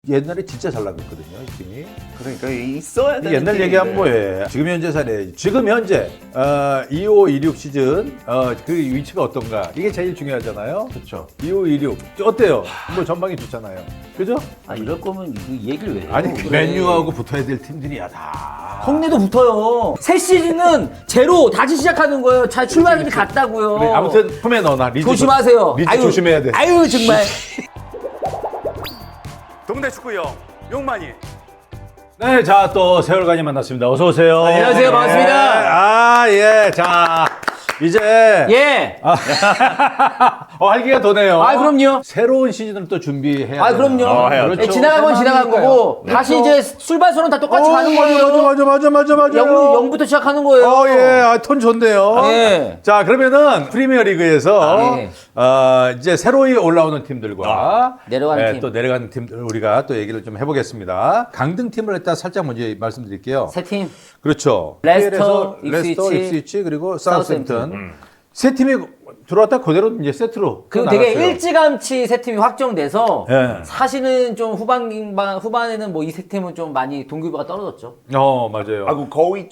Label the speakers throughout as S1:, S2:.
S1: 옛날에 진짜 잘 나갔거든요, 이 팀이.
S2: 그러니까 있어야 되는
S1: 옛날 얘기하면 뭐해. 지금 현재 사례. 지금 현재 25, 26 시즌 그 위치가 어떤가. 이게 제일 중요하잖아요.
S2: 그렇죠.
S1: 25, 26 어때요? 뭐 전망이 좋잖아요. 그죠?
S3: 아 이럴 거면 이 얘기를 왜 해요?
S1: 아니
S3: 그래.
S1: 맨유하고 붙어야 될 팀들이야 다.
S3: 성내도 붙어요. 새 시즌은 제로 다시 시작하는 거예요. 잘 출발이 같다고요.
S1: 그래, 아무튼 품에 넣어놔. 리즈
S3: 조심하세요.
S1: 리즈 조심해야 돼.
S3: 아유 정말.
S4: 동네 축구형 용만이.
S1: 네, 자 또 세월간이 만났습니다. 어서 오세요.
S3: 안녕하세요. 반갑습니다.
S1: 예. 자 이제
S3: 예.
S1: 활기가 도네요.
S3: 아 그럼요.
S1: 새로운 시즌을 또 준비해야
S3: 아 그럼요.
S2: 해야죠.
S3: 예, 지나간 건 지나간 거고 다시 이제 출발선은 다 똑같이 가는 거예요.
S1: 맞아.
S3: 0부터 시작하는 거예요.
S1: 예, 톤 좋네요.
S3: 예.
S1: 자, 그러면은 프리미어 리그에서
S3: 예.
S1: 이제 새로이 올라오는 팀들과
S3: 내려가는 팀.
S1: 또 내려가는 팀들 우리가 또 얘기를 좀 해보겠습니다. 강등 팀을 일단 살짝 먼저 말씀드릴게요.
S3: 세 팀.
S1: 그렇죠.
S3: 레스터,
S1: 레스터,
S3: 입스위치,
S1: 입스위치 그리고 사우스햄튼.
S3: 사우스햄튼.
S1: 세 팀이 들어왔다 그대로 이제 세트로
S3: 그리고
S1: 나갔어요.
S3: 되게 일찌감치 세 팀이 확정돼서
S1: 예.
S3: 사실은 좀 후반에는 뭐 이 세 팀은 좀 많이 동기부여가 떨어졌죠.
S1: 맞아요.
S2: 그 거의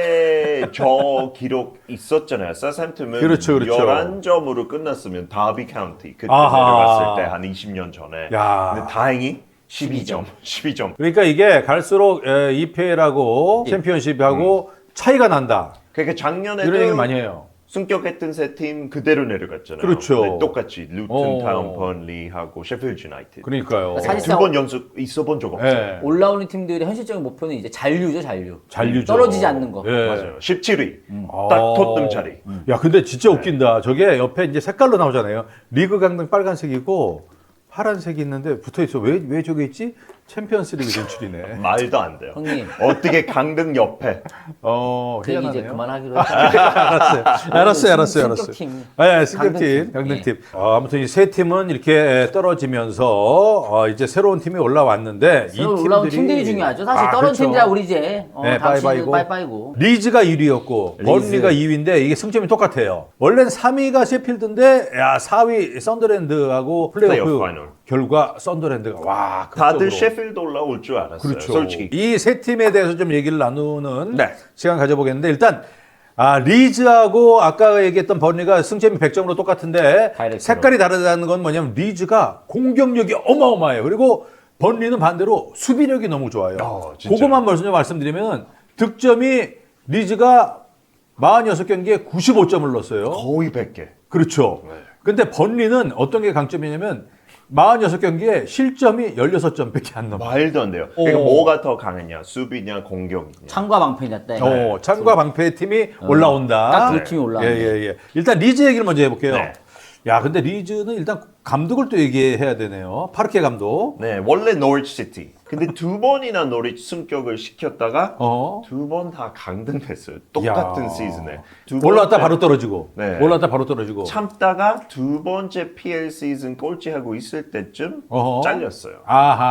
S2: 최저 기록 있었잖아요. 사우스햄튼은
S1: 그렇죠.
S2: 11점으로 끝났으면 다비 카운티 그때
S1: 아하.
S2: 내려갔을 때 한 20년 전에.
S1: 야.
S2: 근데 다행히 12점.
S1: 그러니까 이게 갈수록 EPL하고 챔피언십하고 차이가 난다.
S2: 그러니까 작년에도
S1: 이런 얘기를 많이 해요.
S2: 승격했던 세 팀 그대로 내려갔잖아요.
S1: 그렇죠.
S2: 네, 똑같이 루튼 타운 번리하고 셰필드 유나이티드.
S1: 그러니까요.
S3: 사실상
S2: 2번 연속 있어본 적 없어요.
S1: 예.
S3: 올라오는 팀들의 현실적인 목표는 이제 잔류죠, 잔류.
S1: 잔류죠.
S3: 떨어지지 않는 거.
S1: 예.
S2: 맞아요. 17위. 딱 토트넘 자리.
S1: 야, 근데 진짜 웃긴다. 저게 옆에 이제 색깔로 나오잖아요. 리그 강등 빨간색이고 파란색이 있는데 붙어 있어. 왜 저게 있지? 챔피언스 리그 진출이네.
S2: 말도 안 돼요.
S3: 형님.
S2: 어떻게 강등 옆에.
S3: 그 얘기 이제
S1: 희한하네요.
S3: 그만하기로 했죠.
S1: 알았어요.
S3: 승격팀.
S1: 승격팀,
S3: 강등팀.
S1: 강등팀. 아무튼 이 세 팀은 이렇게 떨어지면서 이제 새로운 팀이 올라왔는데 이
S3: 새로 올라온
S1: 팀들이
S3: 팀들이 중요하죠. 사실 떨어진
S1: 그렇죠.
S3: 팀들아 우리 이제
S1: 네,
S3: 다음 시즌
S1: 빠이빠이고.
S3: 빠이빠이고.
S1: 리즈가 1위였고 번리가 2위인데 이게 승점이 똑같아요. 원래는 3위가 셰필드인데 4위 썬더랜드하고 플레이오프
S2: 플레이오프 파이널.
S1: 결과 썬더랜드가 와
S2: 다들
S1: 극적으로.
S2: 셰필드 올라올 줄 알았어요.
S1: 그렇죠.
S2: 솔직히.
S1: 이 세 팀에 대해서 좀 얘기를 나누는
S2: 네.
S1: 시간 가져보겠는데 일단 리즈하고 아까 얘기했던 번리가 승점이 100점으로 똑같은데
S3: 다이렉트로.
S1: 색깔이 다르다는 건 뭐냐면 리즈가 공격력이 어마어마해요. 그리고 번리는 반대로 수비력이 너무 좋아요.
S2: 진짜요?
S1: 그것만 말씀드리면 득점이 리즈가 46경기에 95점을 넣었어요.
S2: 거의 100개.
S1: 그렇죠. 근데 번리는 어떤 게 강점이냐면 46경기에 실점이 16점밖에 안 넘어요.
S2: 말도 안 돼요. 그러니까 뭐가 더 강했냐? 수비냐, 공격이냐.
S3: 창과 방패냐 때.
S1: 창과 방패의 팀이 올라온다.
S3: 딱 두 팀이 올라온다.
S1: 예. 일단 리즈 얘기를 먼저 해볼게요.
S2: 네.
S1: 야, 근데 리즈는 일단 감독을 또 얘기해야 되네요. 파르케 감독.
S2: 네, 원래 노리치 시티. 근데 두 번이나 노리치 승격을 시켰다가
S1: 어.
S2: 두 번 다 강등했어요. 똑같은
S1: 야.
S2: 시즌에.
S1: 올라왔다 바로 떨어지고.
S2: 네.
S1: 올라왔다 바로 떨어지고.
S2: 참다가 두 번째 PL 시즌 꼴찌하고 있을 때쯤
S1: 어허.
S2: 잘렸어요.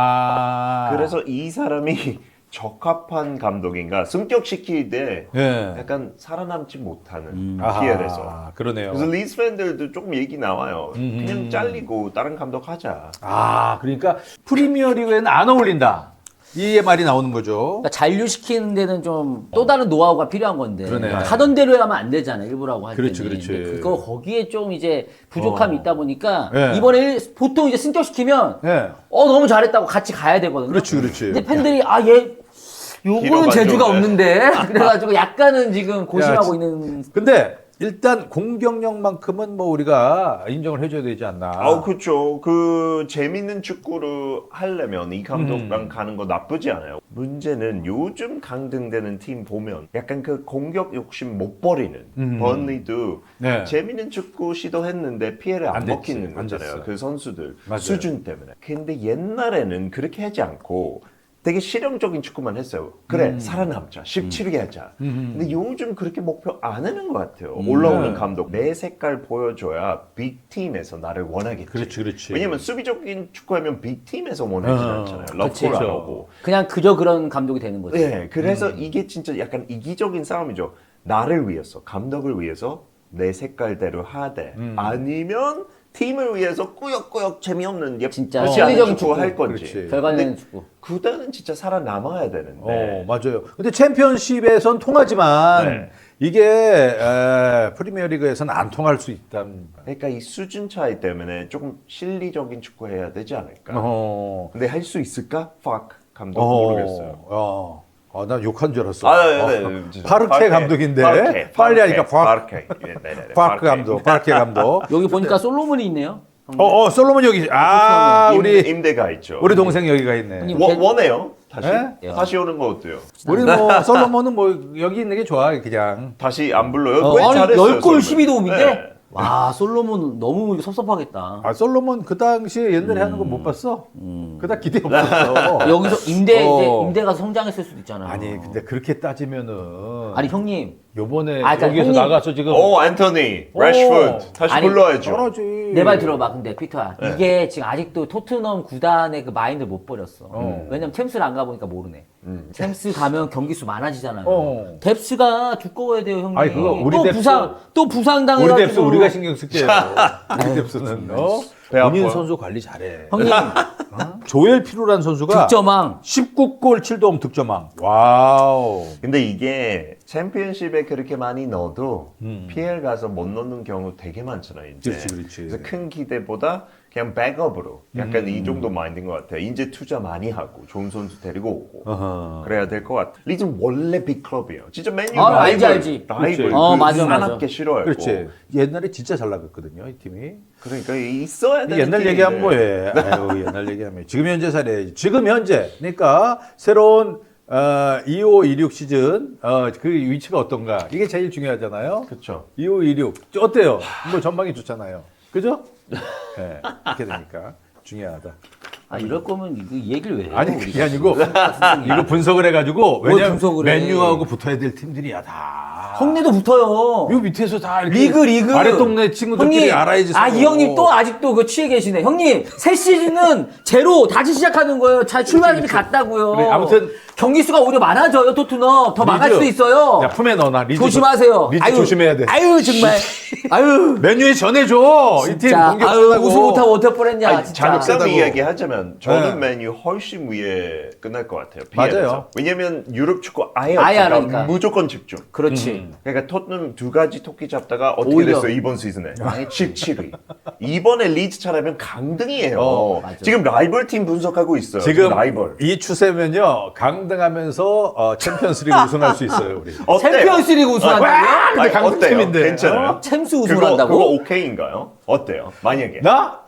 S1: 아하.
S2: 그래서 이 사람이 적합한 감독인가 승격시킬 때
S1: 예.
S2: 약간 살아남지 못하는
S1: 아하,
S2: PL에서.
S1: 그러네요.
S2: 그래서 리즈 팬들도 조금 얘기 나와요. 그냥 잘리고 다른 감독 하자.
S1: 그러니까 프리미어 리그에는 안 어울린다. 이 말이 나오는 거죠.
S3: 그러니까 잔류시키는 데는 좀 또 다른 노하우가 필요한 건데
S1: 그러네.
S3: 하던 대로 하면 안 되잖아요. 일부라고 할
S1: 그렇지,
S3: 때는.
S1: 그렇지.
S3: 근데 그거 거기에 좀 이제 부족함이 있다 보니까
S1: 예.
S3: 이번에 보통 이제 승격시키면
S1: 예.
S3: 너무 잘했다고 같이 가야 되거든요.
S1: 그렇지.
S3: 근데 팬들이 얘 요거는
S2: 기록
S3: 재주가
S2: 안 좋네.
S3: 없는데 그래가지고 약간은 지금 고심하고
S1: 야,
S3: 있는.
S1: 근데 일단 공격력만큼은 뭐 우리가 인정을 해줘야 되지 않나.
S2: 그렇죠. 그 재밌는 축구를 하려면 이 감독랑 가는 거 나쁘지 않아요. 문제는 요즘 강등되는 팀 보면 약간 그 공격 욕심 못 버리는 번리도
S1: 네.
S2: 재밌는 축구 시도했는데 피해를 안
S1: 됐지.
S2: 먹히는
S1: 안
S2: 거잖아요.
S1: 됐어.
S2: 그 선수들
S1: 맞아요.
S2: 수준 때문에. 근데 옛날에는 그렇게 하지 않고 되게 실용적인 축구만 했어요. 그래 살아남자 17개 하자. 근데 요즘 그렇게 목표 안 하는 것 같아요. 올라오는
S1: 네.
S2: 감독 내 색깔 보여줘야 빅팀에서 나를 원하겠지.
S1: 그렇지.
S2: 왜냐면 수비적인 축구하면 빅팀에서 원하지 않잖아요. 러프를 안
S1: 그렇죠.
S2: 하고.
S3: 그냥 그저 그런 감독이 되는 거죠.
S2: 네, 그래서 이게 진짜 약간 이기적인 싸움이죠. 나를 위해서 감독을 위해서 내 색깔대로 하되 아니면 팀을 위해서 꾸역꾸역 재미없는
S3: 진짜
S2: 예쁘지 않은
S3: 실리적인
S2: 축구
S3: 축구.
S2: 할 건지.
S1: 그렇지.
S3: 결과 내는
S2: 근데
S3: 축구.
S2: 구단은 진짜 살아남아야 되는데.
S1: 맞아요. 근데 챔피언십에선 통하지만
S2: 네.
S1: 이게 프리미어리그에서는 안 통할 수 있다는.
S2: 그러니까 이 수준 차이 때문에 조금 실리적인 축구 해야 되지 않을까.
S1: 어.
S2: 근데 할 수 있을까? 팍 감독 모르겠어요.
S1: 난 욕한 줄 알았어. 파르케 감독인데 빨리 하니까
S2: 파르케.
S1: 파크 감독, 파르케 감독.
S3: 여기 보니까 솔로몬이 있네요.
S1: 솔로몬 여기. 우리
S2: 임대가 있죠.
S1: 우리 동생 여기가 있네.
S3: 형님.
S2: 원해요? 다시?
S1: 네?
S2: 다시 오는 거 어때요?
S1: 우리 뭐 솔로몬은 뭐 여기 있는 게 좋아 그냥.
S2: 다시 안 불러요?
S3: 아니
S2: 잘했어요,
S3: 10골
S2: 솔로몬.
S3: 12도움인데?
S2: 네.
S3: 와 솔로몬 너무 섭섭하겠다.
S1: 솔로몬 그 당시에 옛날에 하는 거 못 봤어? 그닥 기대 없었어.
S3: 여기서 임대가 성장했을 수도 있잖아요.
S1: 아니 근데 그렇게 따지면은
S3: 아니 형님
S1: 요번에
S3: 그러니까
S1: 여기에서
S3: 형님.
S1: 나가서 지금
S2: 앤토니, 래쉬포드 다시
S3: 아니,
S2: 불러야죠.
S1: 떨어지.
S3: 내 말 들어봐. 근데 피터야 이게 지금 아직도 토트넘 구단의 그 마인드를 못 버렸어. 왜냐면 템스를 안 가보니까 모르네. 템스 가면 경기 수 많아지잖아요. 뎁스가 두꺼워야 돼요 형님.
S1: 아니, 그거 우리
S3: 또 부상
S1: 우리
S3: 당해가지고.
S1: 뎁스 우리가 신경 쓸게요. 우리 뎁스는
S2: 배
S1: 본인
S2: 아파요.
S1: 선수 관리 잘해.
S3: 형님
S1: 조엘 피루란 선수가
S3: 득점왕.
S1: 19골 7도움 득점왕. 와우.
S2: 근데 이게 챔피언십에 그렇게 많이 넣어도 PL 가서 못 넣는 경우 되게 많잖아요. 이제.
S1: 그렇지.
S2: 그래서 큰 기대보다 그냥 백업으로 약간 이 정도 마인드인 것 같아요. 이제 투자 많이 하고 좋은 선수 데리고 오고
S1: 어허.
S2: 그래야 될 것 같아요. 리즌 원래 빅클럽이에요. 진짜 맨유
S3: 알지.
S2: 라이벌
S3: 그렇지. 맞아.
S2: 사납게 싫어했고.
S1: 그렇지. 옛날에 진짜 잘 나갔거든요, 이 팀이.
S2: 그러니까 있어야 되는
S1: 옛날
S2: 팀인데.
S1: 얘기하면 뭐해? 아유, 옛날 얘기하면 지금 현재 사례. 지금 현재. 그러니까 새로운 25, 26 시즌 그 위치가 어떤가? 이게 제일 중요하잖아요.
S2: 그렇죠.
S1: 25, 26 어때요? 뭐 전망이 좋잖아요. 그죠? 네, 이렇게 되니까 중요하다.
S3: 아 이럴 거면 이 얘기를 왜 해요?
S1: 아니
S3: 우리가?
S1: 그게 아니고 이거 분석을 해가지고
S3: 뭘
S1: 왜냐면
S3: 분석을 해?
S1: 맨유하고 붙어야 될 팀들이야 다.
S3: 형네도 붙어요.
S1: 요 밑에서 다 이렇게
S3: 리그
S1: 아래 동네 친구들끼리
S3: 형님,
S1: 알아야지.
S3: 이 형님 또 아직도 그 취해 계시네. 형님 새 시즌은 제로 다시 시작하는 거예요. 잘 출발이 같다고요.
S1: 그래, 아무튼
S3: 경기 수가 오히려 많아져요. 토트넘 더 망할
S1: 리즈.
S3: 수도 있어요.
S1: 야 품에 넣어놔. 리즈
S3: 조심하세요.
S1: 리즈 조심해야 돼.
S3: 아유 정말. 아유
S1: 맨유에 전해줘. 이 팀
S3: 진짜.
S1: 공격
S3: 아유
S1: 세다고.
S3: 우승 못하고 어떨 뻔했냐.
S2: 아니,
S3: 진짜.
S2: 장점이
S1: 세다고.
S2: 이야기하자면 저는
S1: 네.
S2: 맨유 훨씬 위에 끝날 것 같아요.
S1: 맞아요.
S2: PL에서. 왜냐면 유럽 축구 아예
S3: 아예 안
S2: 없으니까
S3: 하니까.
S2: 무조건 집중.
S3: 그렇지.
S2: 그러니까 토트넘 두 가지 토끼 잡다가 어떻게
S3: 오히려.
S2: 됐어요 이번 시즌에 17위. 이번에 리즈 잘하면 강등이에요.
S3: 맞아.
S2: 지금 라이벌 팀 분석하고 있어요.
S1: 지금
S2: 라이벌.
S1: 이 추세면요 강등하면서 챔피언스리그 우승할 수 있어요 우리.
S2: 어때요?
S3: 챔피언스리그 우승한다고요?
S1: 근데 강등
S2: 어때요?
S1: 팀인데.
S2: 괜찮아요?
S3: 챔스
S2: 그거
S3: 우승한다고?
S2: 오케이인가요? 어때요? 만약에
S1: 나?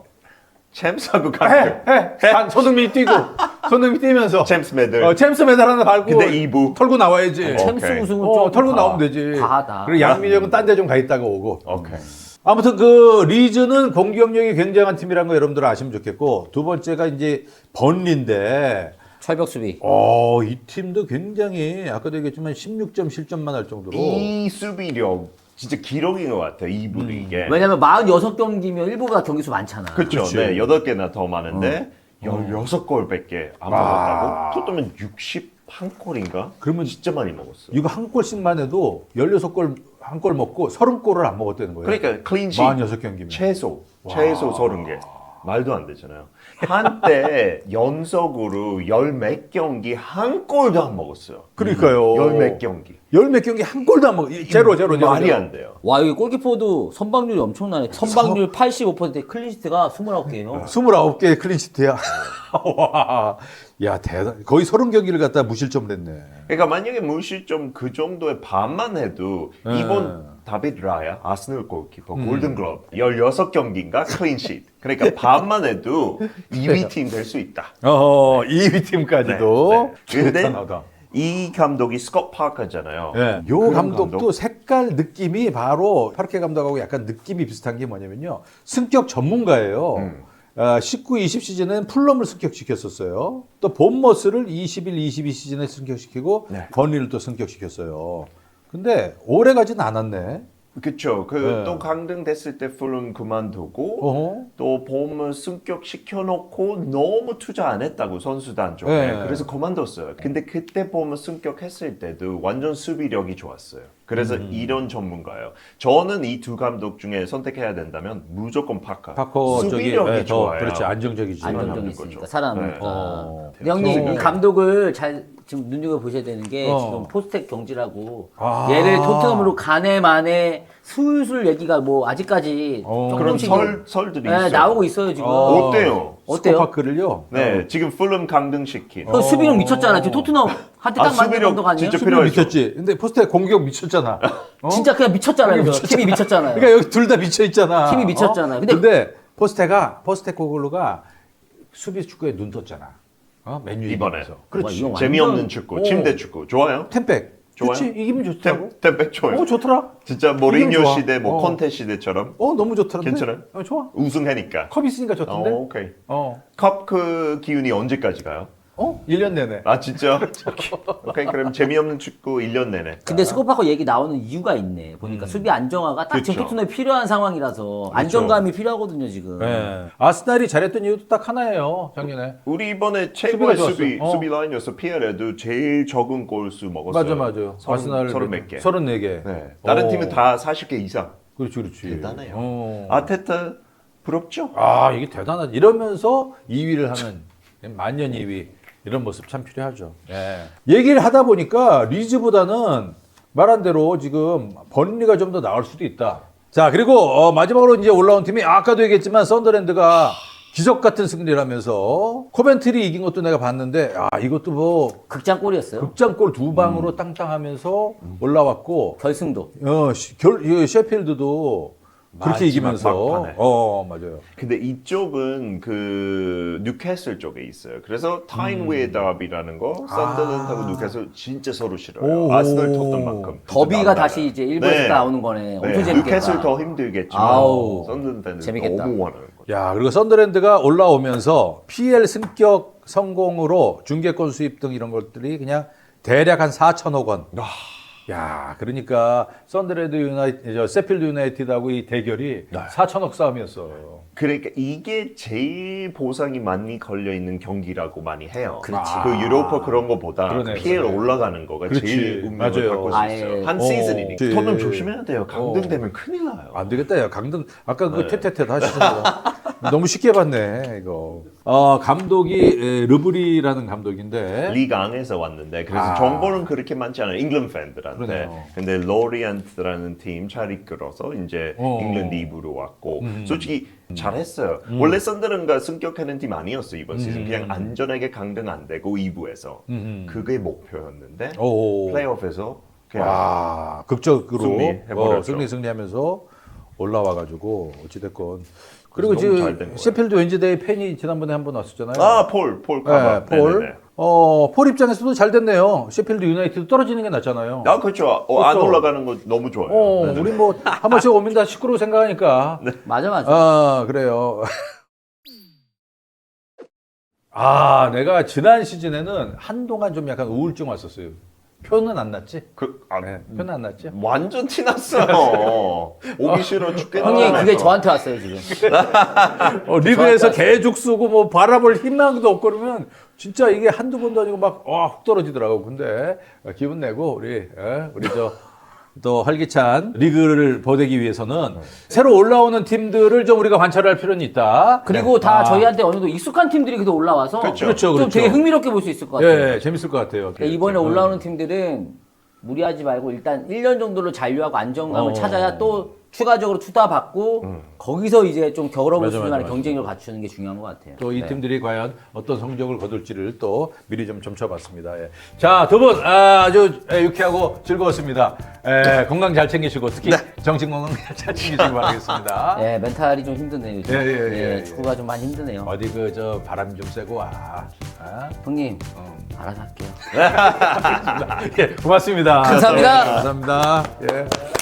S2: 챔스하고 강등.
S1: 손흥민이 뛰고 손흥민 뛰면서
S2: 챔스 메들.
S1: 챔스 메달 하나 밟고
S2: 근데 2부.
S1: 털고 나와야지.
S3: 챔스
S2: 오케이.
S3: 우승은 좀
S1: 털고 나오면 되지.
S3: 과하다.
S1: 그리고 양민혁은 딴 데 좀 가 있다가 오고.
S2: 오케이.
S1: 아무튼 그 리즈는 공격력이 굉장한 팀이라는 거 여러분들 아시면 좋겠고 두 번째가 이제 번리인데
S3: 철벽 수비.
S1: 이 팀도 굉장히 아까도 얘기했지만 16점 실점만 할 정도로
S2: 이 수비력 진짜 기록인 것 같아요. 이부 리그에.
S3: 왜냐면 46경기면 일부보다 경기수 많잖아.
S2: 그렇죠.
S1: 그치.
S2: 네, 8개나 더 많은데 16골밖에 안 먹었다고? 토트넘은 61골인가?
S1: 그러면
S2: 진짜 많이 먹었어.
S1: 이거 한 골씩만 해도 16골 한 골 먹고 30골을 안 먹었다는 거예요.
S2: 그러니까 클린시
S1: 46경기면.
S2: 최소 30개. 말도 안 되잖아요. 한때 연속으로 열 몇 경기 한 골도 안 먹었어요.
S1: 그러니까요.
S2: 열 몇 경기.
S1: 열 몇 경기 한 골도 안 먹어. 제로.
S2: 말이 안 돼요.
S3: 와 여기 골키퍼도 선방률이 엄청나네. 선방률 85%, 클린시트가 29개예요.
S1: 29개의 클린시트야. 와. 야, 대단. 거의 30경기를 갖다 무실점을 했네.
S2: 그러니까 만약에 무실점 그 정도의 반만 해도 이번 다비드 라야 아스널 골키퍼 골든글러브 16경기인가 클린시트. 그러니까 반만 해도 2위 팀 될 수 있다.
S1: 2위 팀까지도.
S2: 네. 근데
S1: 대단하다.
S2: 이 감독이 스콧 파커잖아요.
S1: 네. 요
S2: 그런
S1: 감독도
S2: 감독?
S1: 색깔 느낌이 바로 파르케 감독하고 약간 느낌이 비슷한 게 뭐냐면요. 승격 전문가예요. 19, 20 시즌은 풀럼을 승격시켰었어요. 또 본머스를 21, 22 시즌에 승격시키고
S2: 네.
S1: 번리를 또 승격시켰어요. 근데 오래 가진 않았네.
S2: 그쵸.
S1: 네.
S2: 또 강등됐을 때 풀은 그만두고
S1: 어허.
S2: 또 봄을 승격 시켜놓고 너무 투자 안 했다고 선수단 쪽에
S1: 네.
S2: 그래서 그만뒀어요. 근데 그때 봄을 승격했을 때도 완전 수비력이 좋았어요. 그래서 이런 전문가예요. 저는 이 두 감독 중에 선택해야 된다면 무조건 파커.
S1: 파커
S2: 수비력이
S1: 쪽이 더
S2: 좋아요.
S1: 그렇지 안정적이지.
S3: 안정적이
S2: 거죠.
S3: 있으니까 살아남으니까.
S1: 네.
S3: 근데 형님
S2: 지금-
S3: 이 감독을 잘 지금 눈여겨 보셔야 되는 게
S1: 어.
S3: 지금 포스텍 경지라고
S1: 아.
S3: 얘를 토트넘으로 가네 마네 술술 얘기가 뭐 아직까지
S2: 그런
S3: 조금씩
S2: 설들이
S3: 네,
S2: 있어요.
S3: 나오고 있어요 지금.
S2: 어때요?
S3: 어때요?
S1: 스코파크를요.
S2: 네, 지금 풀름 강등시킨.
S3: 그 수비력 미쳤잖아. 지금 토트넘 한테 딱 맞는
S2: 수비력
S3: 감독 아니에요?
S2: 진짜
S1: 수비
S2: 필요하죠.
S1: 미쳤지. 근데 포스트에 공격 미쳤잖아. 어?
S3: 진짜 그냥 미쳤잖아요. 그거. 팀이 미쳤잖아요.
S1: 그러니까 여기 둘 다 미쳐 있잖아.
S3: 팀이 미쳤잖아.
S1: 근데,
S3: 근데-
S1: 포스테코글루가 수비 축구에 눈 떴잖아.
S2: 이번에.
S1: 맨유 이기면서. 그렇지.
S3: 와, 이거
S2: 재미없는
S3: 완전-
S2: 축구, 침대 축구 좋아요?
S1: 템백.
S2: 좋아요?
S1: 그렇지. 이기면 좋더라고.
S2: 템백 좋아요.
S1: 좋더라.
S2: 진짜
S1: 이기면
S2: 모리뉴
S1: 좋아.
S2: 시대, 콘테 시대처럼
S1: 너무 좋더라.
S2: 괜찮아요?
S1: 좋아.
S2: 우승하니까.
S1: 컵 있으니까 좋던데.
S2: 오케이.
S1: 어.
S2: 컵 그 기운이 언제까지 가요?
S1: 1년 내내.
S2: 아 진짜? 오케이 그럼 재미없는 축구 1년 내내.
S3: 근데 스코파커 얘기 나오는 이유가 있네. 보니까 수비 안정화가 딱 지금
S2: 그쵸.
S3: 토트넘에 필요한 상황이라서 안정감이 필요하거든요 지금.
S1: 네. 아스날이 잘했던 이유도 딱 하나예요. 작년에.
S2: 우리 이번에 최고의
S1: 수비가
S2: 수비
S1: 좋았어.
S2: 수비 라인이어서 피에르도 제일 적은 골수 먹었어요.
S1: 맞아요. 아스날
S2: 서른 몇 개.
S1: 34개.
S2: 네. 다른 팀은 다 40개 이상.
S1: 그렇지.
S2: 대단해요. 아테타 부럽죠?
S1: 이게 대단하지. 이러면서 2위를 하는 만년 2위 이런 모습 참 필요하죠. 얘기를 하다 보니까 리즈보다는 말한 대로 지금 버린리가 좀 더 나을 수도 있다. 자 그리고 마지막으로 이제 올라온 팀이 아까도 얘기했지만 썬더랜드가 기적 같은 승리를 하면서 코벤트리 이긴 것도 내가 봤는데 이것도 뭐
S3: 극장골이었어요.
S1: 극장골 두 방으로 땅땅하면서 올라왔고
S3: 결승도.
S1: 셰필드도 그렇게
S2: 마지막
S1: 이기면서
S2: 막판에.
S1: 맞아요.
S2: 근데 이쪽은 그 뉴캐슬 쪽에 있어요. 그래서 타인웨이 더비라는 거 썬더랜드하고 뉴캐슬 진짜 서로 싫어요.
S1: 오.
S2: 아스널 텄던만큼.
S3: 더비가 다시 이제 일부에서 나오는 거네. 엄청 재밌겠다.
S2: 뉴캐슬 더 힘들겠지만
S3: 아우,
S2: 썬더랜드는
S3: 재밌겠다.
S2: 너무 원하는 거죠.
S1: 야, 그리고 썬더랜드가 올라오면서 PL 승격 성공으로 중계권 수입 등 이런 것들이 그냥 대략 한 4천억 원. 야, 그러니까 썬더랜드 세필드 유나이티드하고 이 대결이 4천억 싸움이었어.
S2: 그러니까 이게 제일 보상이 많이 걸려 있는 경기라고 많이 해요.
S3: 그렇지.
S2: 그 유로파 그런 거보다
S1: 그러네,
S2: PL
S1: 그러네.
S2: 올라가는 거가
S1: 그렇지.
S2: 제일 운명을
S1: 맞아요.
S2: 바꿀 수 있어요.
S3: 아예.
S2: 한 시즌이니까.
S1: 그렇지.
S2: 토트넘 조심해야 돼요. 강등되면 큰일 나요.
S1: 안 되겠다, 야. 강등, 아까
S2: 네.
S1: 그 퇴퇴퇴 하시잖아요. 너무 쉽게 봤네, 이거. 감독이 르브리라는 감독인데.
S2: 리그 안에서 왔는데 그래서
S1: 아.
S2: 정보는 그렇게 많지 않아요. 잉글랜드 팬들한테.
S1: 그러네요.
S2: 근데 로리안트라는 팀 잘 이끌어서 이제 잉글랜드 2부로 왔고 솔직히 잘했어요. 원래 썬더랜드가 승격하는 팀 아니었어 이번 시즌. 그냥 안전하게 강등 안 되고 2부에서 그게 목표였는데
S1: 오.
S2: 플레이오프에서 그냥
S1: 와, 극적으로
S2: 승리해버렸죠.
S1: 승리하면서 올라와가지고 어찌됐건. 그리고
S2: 너무 잘된
S1: 지금
S2: 거예요.
S1: 셰필드 웬즈데이 팬이 지난번에 한 번 왔었잖아요.
S2: 폴 카바.
S1: 폴.
S2: 네네네.
S1: 폴 입장에서도 잘 됐네요. 셰필드 유나이티드 떨어지는 게 낫잖아요.
S2: 그렇죠. 안
S1: 그렇죠.
S2: 올라가는 거 너무 좋아요. 네네.
S1: 우리 뭐 한 번씩 오면 다 시끄러워 생각하니까.
S3: 맞아.
S1: 그래요. 내가 지난 시즌에는 한동안 좀 약간 우울증 왔었어요. 표는 안 났지? 표는 안 났지?
S2: 완전 티났어요. 오기 싫어 죽겠다.
S3: 형님 그게 저한테 왔어요 지금.
S1: 리그에서 계속 쓰고 뭐 바라볼 희망도 없고 그러면 진짜 이게 한두 번도 아니고 막 훅 떨어지더라고. 근데 기분 내고 우리 또 활기찬 리그를 보내기 위해서는 새로 올라오는 팀들을 좀 우리가 관찰할 필요는 있다.
S3: 그리고 다 저희한테 어느 정도 익숙한 팀들이 그래도 올라와서
S2: 그렇죠.
S3: 좀 되게 흥미롭게 볼 수 있을 것 같아요.
S1: 예, 재밌을 것 같아요.
S3: 그러니까 이번에 올라오는 팀들은 무리하지 말고 일단 1년 정도로 잔류하고 안정감을 찾아야 또 추가적으로 투자 받고 거기서 이제 좀 겨울어볼
S1: 맞아,
S3: 수준의
S1: 맞아.
S3: 경쟁력을 갖추는 게 중요한 것 같아요.
S1: 또 이
S3: 네.
S1: 팀들이 과연 어떤 성적을 거둘지를 또 미리 좀 점쳐봤습니다. 예. 자, 두 분 아주 유쾌하고 즐거웠습니다. 건강 잘 챙기시고 특히 정신 건강 잘 챙기시기 바라겠습니다.
S3: 예, 멘탈이 좀 힘드네요. 요즘.
S1: 예.
S3: 축구가 좀 많이 힘드네요.
S1: 어디 바람 좀 쐬고 와.
S3: 형님, 알아서 할게요.
S1: 예, 고맙습니다.
S3: 감사합니다.
S1: 감사합니다. 예.